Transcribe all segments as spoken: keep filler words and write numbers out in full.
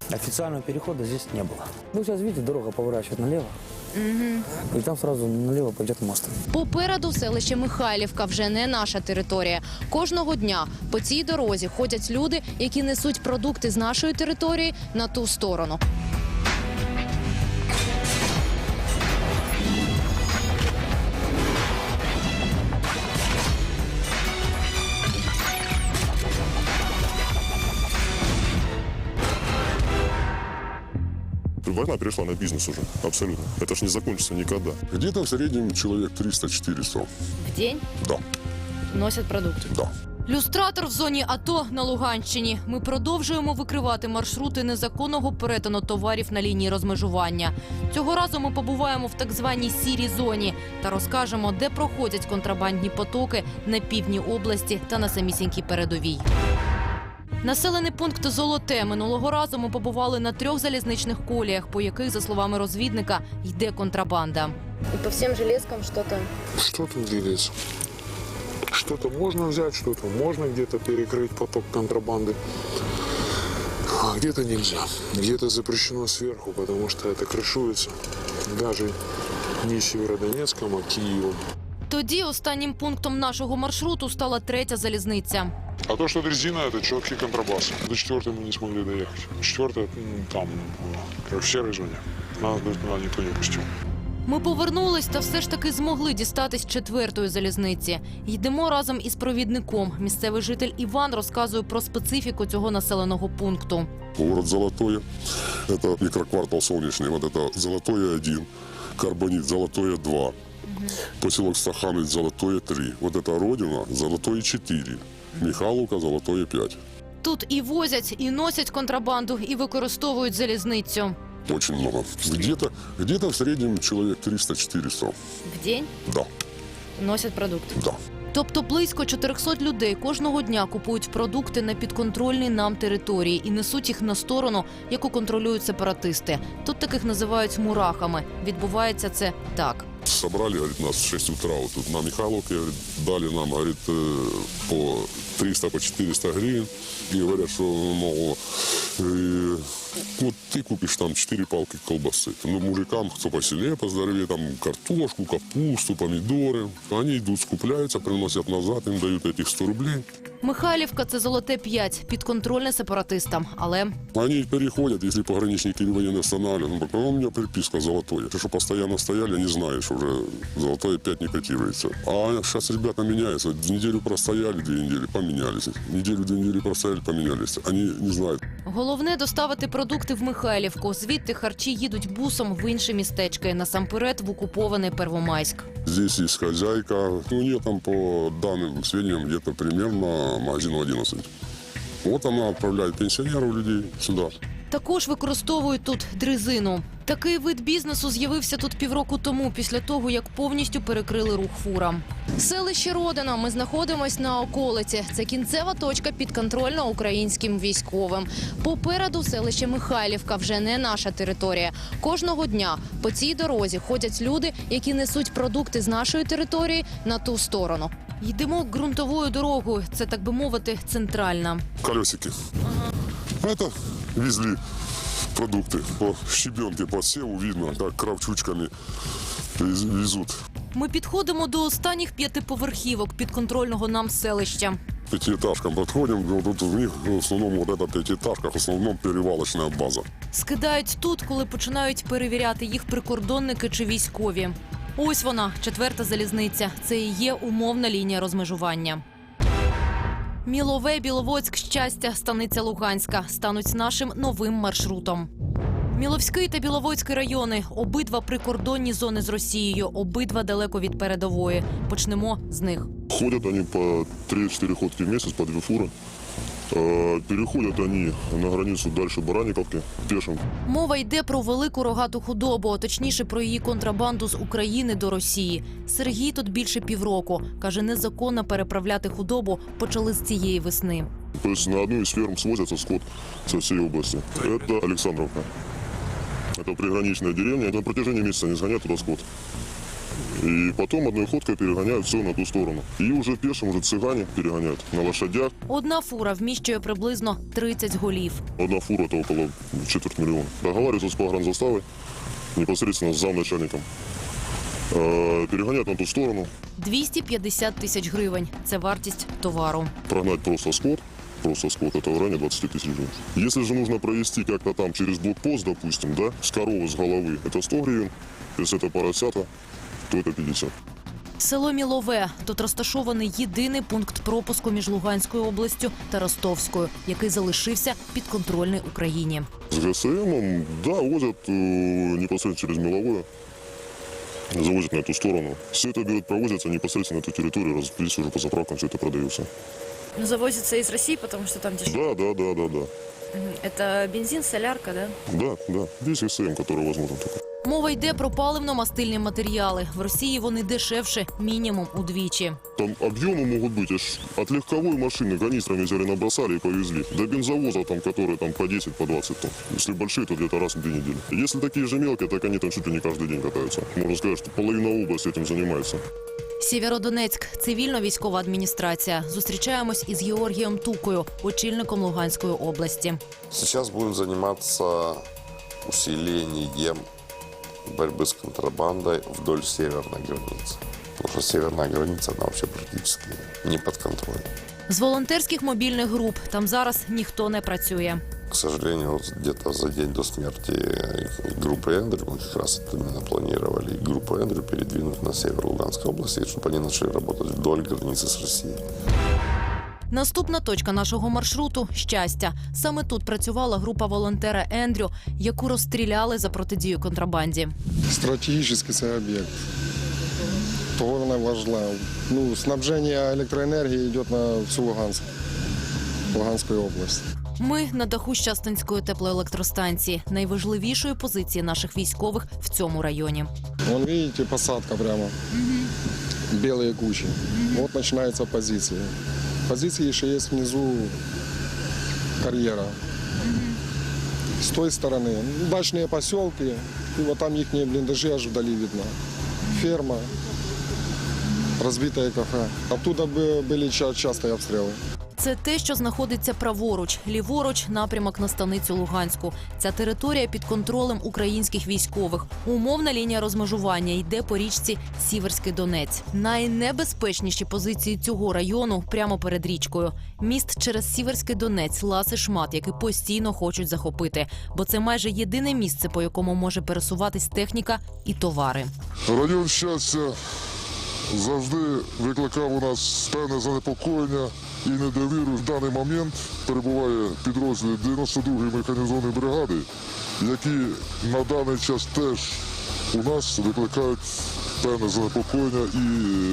Официального перехода здесь не было. Ну, сейчас, видите, дорога поворачивает налево. Угу. И там сразу налево пойдет мост. Попереду селище Михайлівка, вже не наша територія. Кожного дня по цій дорозі ходять люди, які несуть продукти з нашої території на ту сторону. Война перешла на бизнес уже, абсолютно. Это ж не закончится никогда. Где-то в среднем человек триста-четыреста. В день Да, носять продукти. да. Люстратор в зоні АТО на Луганщині. Ми продовжуємо викривати маршрути незаконного перетину товарів на лінії розмежування. Цього разу ми побуваємо в так званій сірій зоні та розкажемо, де проходять контрабандні потоки на півдні області та на самісінькій передовій. Населений пункт Золоте. Минулого разу ми побували на трьох залізничних коліях, по яких, за словами розвідника, йде контрабанда. И по всем железкам что-то. Что-то двигается. Что-то можно взять, что-то можно где-то перекрыть поток контрабанды. А где-то нельзя. Где-то запрещено сверху, потому что это крышуется. Даже не Северодонецком, а Киевом. Тоді останнім пунктом нашого маршруту стала третя залізниця. А то, что дрезина, это четкий контрабас. До четвертой мы не смогли доехать. Четвертая там, как в серой зоне. Нас туда никто не пустил. Ми повернулись та все ж таки змогли дістатись четвертої залізниці. Йдемо разом із провідником. Місцевий житель Іван розказує про специфіку цього населеного пункту. Город Золотое, это микроквартал Солнечный, вот это Золотое один, Карбонит, Золотое два, поселок Стахановец, Золотое три, вот это Родина, Золотое четыре, Михайловка, Золотое пять. Тут і возять, і носять контрабанду, і використовують залізницю. Очень много. Где-то где-то в среднем человек триста-четыреста. В день Да, носять продукти. да. Тобто близько чотирьохсот людей кожного дня купують продукти на підконтрольній нам території і несуть їх на сторону, яку контролюють сепаратисти. Тут таких називають мурахами. Відбувається це так. Собрали, говорит, нас в шесть утра вот тут на Михайловке, говорит, дали нам, говорит, э, по триста, по четыреста гривен. И говорят, что, мол, э, вот ты купишь там четыре палки колбасы. Ну, мужикам, кто посильнее, поздоровее, там картошку, капусту, помидоры. Они идут, скупляются, приносят назад, им дают этих сто рублей. Михайлівка – це Золоте п'ять, підконтрольне сепаратистам. Але Они переходят, если пограничники или военные останавливают. Ну, у меня переписка Золотое. Ты что, постоянно стояли, не знаешь, уже Золотое пять не котируется. А сейчас ребята меняются. Неделю простояли, две недели, поменялись. Неделю, две недели простояли, поменялись. Они не знают. головне – доставити продукти в Михайлівку. Звідти харчі їдуть бусом в інші містечки, насамперед в окупований Первомайськ. Здесь есть хозяйка. У нее там, по данным сведениям, где-то примерно магазин одиннадцать. Вот она отправляет пенсионеров людей сюда. Також використовують тут дрезину. Такий вид бізнесу з'явився тут півроку тому, після того, як повністю перекрили рух фурам. Селище Родина. Ми знаходимось на околиці. Це кінцева точка підконтрольна українським військовим. Попереду селище Михайлівка, вже не наша територія. Кожного дня по цій дорозі ходять люди, які несуть продукти з нашої території на ту сторону. Йдемо ґрунтовою дорогою. Це, так би мовити, центральна. Колесики. Это везли продукты. По щебенке, по севу видно, как кравчучками вез- везут. Ми підходимо до останніх п'ятиповерхівок підконтрольного нам селища. Пятиэтажкам подходим, вот тут в них в основном вот эта пятиэтажка, в основном перевалочная база. Скидають тут, коли починають перевіряти їх прикордонники чи військові. Ось вона, четверта залізниця. Це і є умовна лінія розмежування. Мілове, Біловодськ, Щастя, станиця Луганська стануть нашим новим маршрутом. Міловський та Біловодський райони – обидва прикордонні зони з Росією, обидва далеко від передової. Почнемо з них. Ходят они по три-четыре ходки в месяц, по две фуры. Э, Переходят они на границу дальше Баранниковки пешим. Мова йде про велику рогату худобу, а точніше про її контрабанду з України до Росії. Сергій тут більше півроку. Каже, незаконно переправляти худобу почали з цієї весни. То есть на одну из ферм свозятся скот со всей области. Это Александровка. Это приграничная деревня. Это на протяжении месяца не сгонят туда скот. И потом одной ходкой перегоняют все на ту сторону. И уже пешим, уже цыгане перегоняют на лошадях. Одна фура вміщує приблизно тридцять голів. Одна фура – это около четверть миллиона. Договариваются с погранзаставой, непосредственно с замначальником. Э, Перегонять на ту сторону, двісті п'ятдесят тисяч гривень – це вартість товару. прогнать просто скот. Просто скот, это в районе двадцать тысяч гривен. Если же нужно провести как-то там через блокпост, допустим, да, с коровы, с головы, это сто гривен. Если это поросята, то это пятьдесят. Село Мілове. Тут розташований єдиний пункт пропуску між Луганською областю та Ростовською, який залишився підконтрольний Україні. С ГСМом, да, возят э, непосредственно через Меловое, завозят на эту сторону. Все это берет, провозится непосредственно на эту территорию, раз- здесь уже по заправкам все это продается. Ну, завозится из России, потому что там дешевле. Да, да, да, да, да. Это бензин, солярка, да? Да, да, весь ГСМ, который возможно только. Мова йде про паливно-мастильні матеріали. В Росії вони дешевше мінімум удвічі. Там объемы могут быть аж от легковой машины канистрами взяли, набросали и повезли. До бензовоза, там, которые там по десять, по двадцать тонн. Если большие, то где-то раз в две недели. Если такие же мелкие, так они там чуть ли не каждый день катаются. Можно сказать, что половина области этим занимается. Сєвєродонецьк. Цивільно-військова адміністрація. Зустрічаємось із Георгієм Тукою, очільником Луганської області. Сейчас будем заниматься усилением борьбы с контрабандой вдоль северной границы. Потому что северная граница, она вообще практически не под контролем. З волонтерських мобільних груп там зараз ніхто не працює. К сожалению, вот где-то за день до смерти группы Эндрю, мы как раз это именно планировали, группу Эндрю передвинуть на север Луганской области, чтобы они начали работать вдоль границы с Россией. Наступна точка нашого маршруту – Щастя. Саме тут працювала група волонтера Ендрю, яку розстріляли за протидію контрабанді. Стратегический це об'єкт. Того вона важлива. Ну, снабження електроенергії йде на всю Луганськ, Луганську область. Ми на даху Щастинської теплоелектростанції, найважливішої позиції наших військових в цьому районі. Вон, видите, посадка прямо. Белые кучи. Вот начинается позиция. Позиции еще есть внизу карьера. С той стороны ну, дачные поселки, и вот там их блиндажи аж вдали видно. Ферма, разбитое кафе. Оттуда бы были ча- частые обстрелы. Це те, що знаходиться праворуч, ліворуч – напрямок на станицю Луганську. Ця територія під контролем українських військових. Умовна лінія розмежування йде по річці Сіверський Донець. Найнебезпечніші позиції цього району прямо перед річкою. Міст через Сіверський Донець – ласий шмат, який постійно хочуть захопити. Бо це майже єдине місце, по якому може пересуватись техніка і товари. Район щастя завжди викликав у нас певне занепокоєння і недовіру. В даний момент перебуває підрозділ дев'яносто другої механізованої бригади, які на даний час теж у нас викликають певне занепокоєння і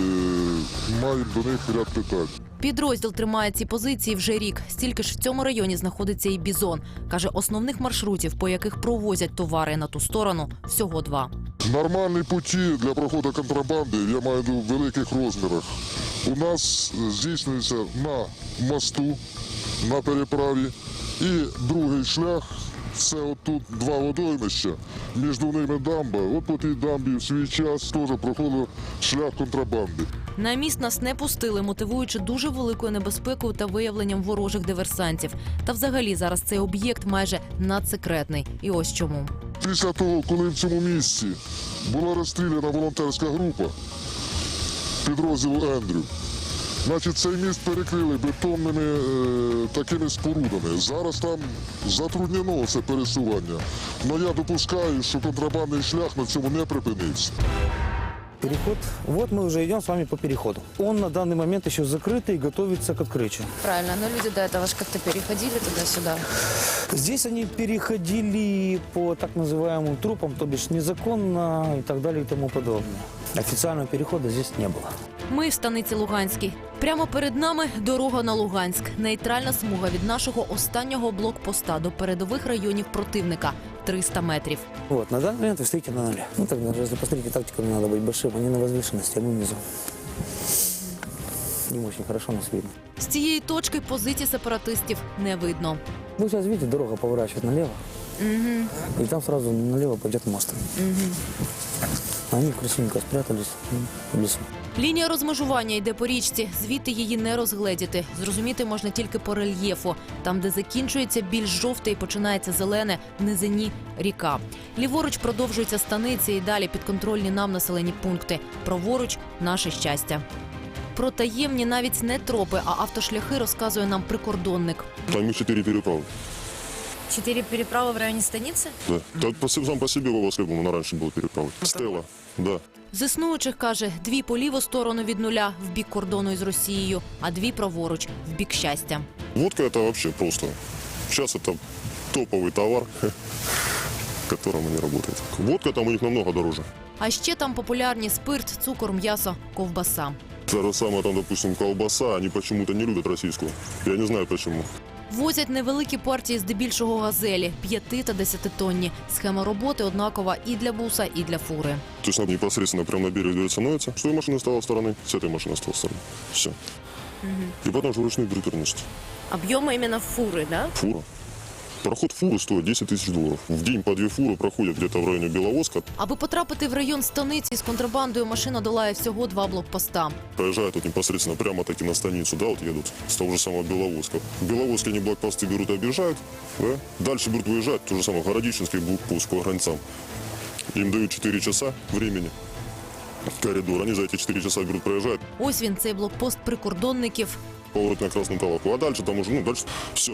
е, маємо до них ряд питань. Підрозділ тримає ці позиції вже рік. Стільки ж в цьому районі знаходиться і Бізон. Каже, основних маршрутів, по яких провозять товари на ту сторону, всього два. Нормальні путі для проходу контрабанди, я маю в виду в великих розмірах, у нас здійснюється на мосту, на переправі. І другий шлях – це отут два водоймища, між ними дамба. От по тій дамбі в свій час теж проходив шлях контрабанди. На міст нас не пустили, мотивуючи дуже великою небезпекою та виявленням ворожих диверсантів. Та взагалі зараз цей об'єкт майже надсекретний. І ось чому. Після того, коли в цьому місці була розстріляна волонтерська група підрозділу Ендрю, значить, цей міст перекрили бетонними е, такими спорудами. Зараз там затруднено це пересування. Але я допускаю, що контрабандний шлях на цьому не припиниться. Переход. Вот мы уже идем с вами по переходу. Он на данный момент еще закрытый и готовится к открытию. Правильно, но люди до этого же как-то переходили туда-сюда. Здесь они переходили по так называемым трупам, то бишь незаконно и так далее и тому подобное. Официального перехода здесь не было. Ми в станиці Луганській. Прямо перед нами дорога на Луганськ. Нейтральна смуга від нашого останнього блокпоста до передових районів противника – триста метрів. Вот, на данный момент вы стоите на нуле. Ну тогда, если посмотрите, тактиками надо быть большим. Они на возвышенности, а мы внизу. Не очень хорошо нас видно. З цієї точки позицій сепаратистів не видно. Вы сейчас видите, дорога поворачивает налево. И там сразу налево пойдет мост. Они красивенько спрятались в лесу. Лінія розмежування йде по річці, звідти її не розгледіти. Зрозуміти можна тільки по рельєфу. Там, де закінчується більш жовте і починається зелене, в низині – ріка. Ліворуч продовжуються станиці і далі підконтрольні нам населені пункти. Праворуч – наше щастя. Про таємні навіть не тропи, а автошляхи розказує нам прикордонник. Там их четыре переправы. Четыре переправы в районе станицы? Да. Так по, сам по себе Востребована раньше была переправа. Стелла, да. З існуючих, каже, дві по ліву сторону від нуля, в бік кордону із Росією, а дві праворуч, в бік щастя. Водка это вообще просто. Сейчас это топовый товар, которым они работают. Водка там у них намного дороже. А ще там популярні спирт, цукор, м'ясо, ковбаса. Та же самая там, допустим, колбаса, они почему-то не любят российскую. Я не знаю почему. Возять невеликі партії, здебільшого газелі, п'яти та десятитонні. Схема роботи однакова і для буса, і для фури. То есть непосредственно прямо на берег дверь становится. С той машины стала стороны, с этой машины стала стороны. Все. И потом же вручную берут переносить. Объемы именно фуры, да? Фура. Проход фуры стоит десять тысяч долларов. В день по две фуры проходят где-то в районе Беловодска. Аби потрапити в район станиці з контрабандою, машина долає всього два блокпоста. Проезжают вот непосредственно прямо таки на станицу, да, вот едут с того же самого Беловодска. В Беловодске они блокпосты берут и объезжают, да. Дальше берут выезжать, то же самое Городищенский блокпост по границам. Им дают четыре часа времени. Коридор. Они за эти четыре часа берут, проезжают. Ось він, цей блокпост прикордонників. Поворот на Красную Талаку. А дальше там уже, ну, дальше все.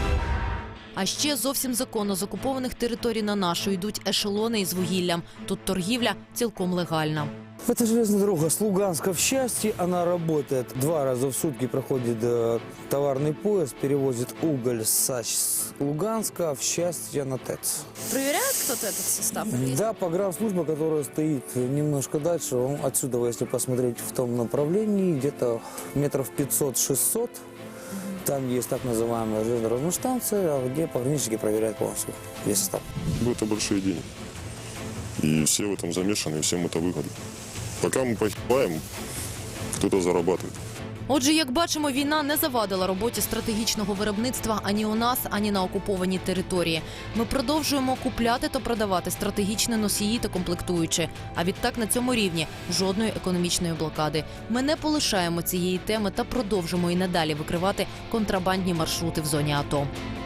А ще зовсім законно з окупованих територій на нашу йдуть ешелони із вугіллям. Тут торгівля цілком легальна. Это железная дорога с Луганска в Счастье. Она работает два раза в сутки, проходит э, товарный поезд, перевозит уголь с Луганска в Счастье на ТЭЦ. Проверяет кто-то этот состав? или- Да, погранслужба, которая стоит немножко дальше, он отсюда, если посмотреть в том направлении, где-то метров пятьсот-шестьсот, там есть так называемая железнодорожная станция, где пограничники проверяют полностью весь состав. Это большие деньги. И все в этом замешаны, и всем это выгодно. Пока мы погибаем, кто-то зарабатывает. Отже, як бачимо, війна не завадила роботі стратегічного виробництва ані у нас, ані на окупованій території. Ми продовжуємо купляти та продавати стратегічні носії та комплектуючі. А відтак на цьому рівні жодної економічної блокади. Ми не полишаємо цієї теми та продовжимо і надалі викривати контрабандні маршрути в зоні АТО.